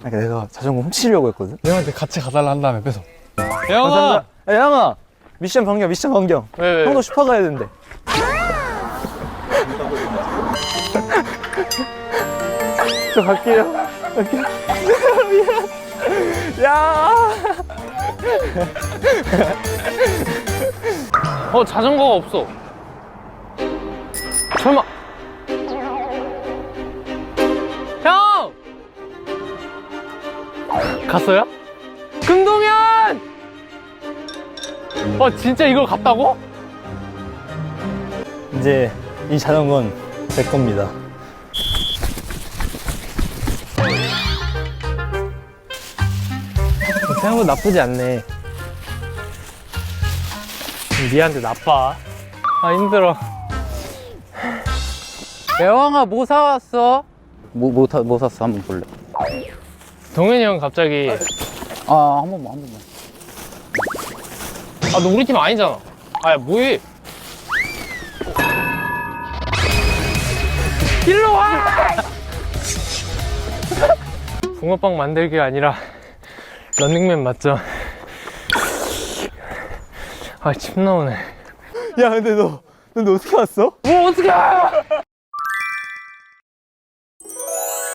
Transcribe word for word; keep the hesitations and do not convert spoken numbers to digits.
아니, 내가 자전거 훔치려고 했거든. 형한테 같이 가달라 한 다음에 뺏어. 영아! 야, 양아! 미션 변경, 미션 변경. 왜, 왜? 형도 슈퍼 가야 되는데. 저 갈게요. 갈게요. 미안. 야! 어, 자전거가 없어. 설마. 형! 갔어요? 금동현! 어, 진짜 이걸 갔다고? 이제 이 자전거는 제 겁니다. 생각보다 나쁘지 않네. 니한테 나빠. 아, 힘들어. 여왕아, 뭐 사왔어? 뭐, 뭐, 타, 뭐 샀어? 한번 볼래? 동현이 형 갑자기. 아, 한 번만, 한 번만. 아, 너 우리 팀 아니잖아. 아, 뭐해? 일로 와! 붕어빵 만들기가 아니라 런닝맨 맞죠? 아, 침 나오네. 야, 근데 너, 근데 어떻게 왔어? 뭐, 어떡해!